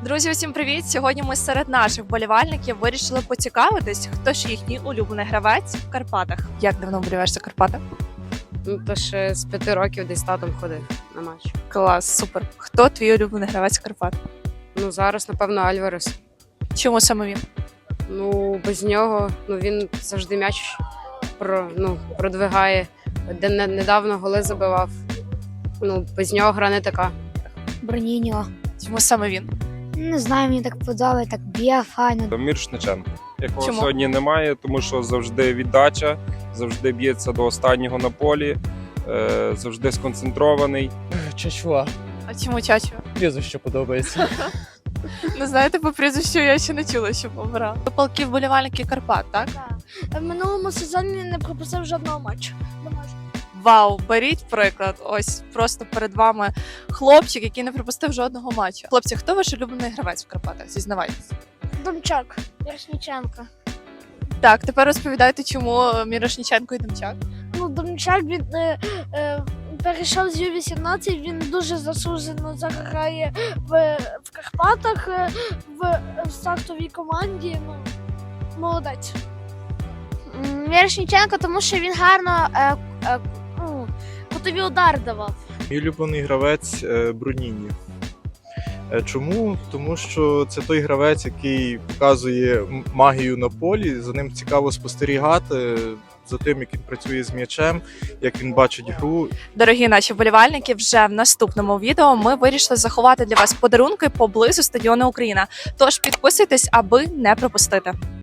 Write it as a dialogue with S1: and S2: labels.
S1: Друзі, усім привіт! Сьогодні ми серед наших вболівальників вирішили поцікавитись, хто ж їхній улюблений гравець в Карпатах. Як давно вболіваєш за Карпати?
S2: То ще з 5 років десь татом ходив на матч.
S1: Клас, супер. Хто твій улюблений гравець Карпат?
S2: Зараз, напевно, Альварес.
S1: Чому саме він?
S2: Без нього він завжди м'яч продвигає. Недавно голи забивав. Без нього гра не така.
S3: Броніньо.
S1: Чому саме він?
S3: Не знаю, мені так подобається, так б'є файно.
S4: Мірошниченко, якого
S1: Чому?
S4: сьогодні немає, тому що завжди віддача, завжди б'ється до останнього на полі, завжди сконцентрований.
S5: Чачуа.
S1: А чому Чачо?
S5: Прізвище подобається.
S1: Не знаєте, по прізвищу я ще не чула, що обрав. Ви палки вболівальники Карпат, так?
S3: В минулому сезоні не пропустив жодного матчу.
S1: Вау, беріть приклад. Ось просто перед вами хлопчик, який не пропустив жодного матчу. Хлопці, хто ваш улюблений гравець в Карпатах? Зізнавайтесь.
S3: Домчак, Ярошніченко.
S1: Так, тепер розповідайте, чому Мірошніченко і Демчак.
S3: Домчак він перейшов з Ю-18, він дуже заслужено заграє в Карпатах, в стартовій команді. Молодець. Ярошніченко, тому що він гарно кутові удари давав.
S6: Мій улюблений гравець Бруніні. Чому? Тому що це той гравець, який показує магію на полі, за ним цікаво спостерігати, за тим, як він працює з м'ячем, як він бачить гру.
S1: Дорогі наші вболівальники, вже в наступному відео ми вирішили заховати для вас подарунки поблизу стадіону Україна. Тож підписуйтесь, аби не пропустити.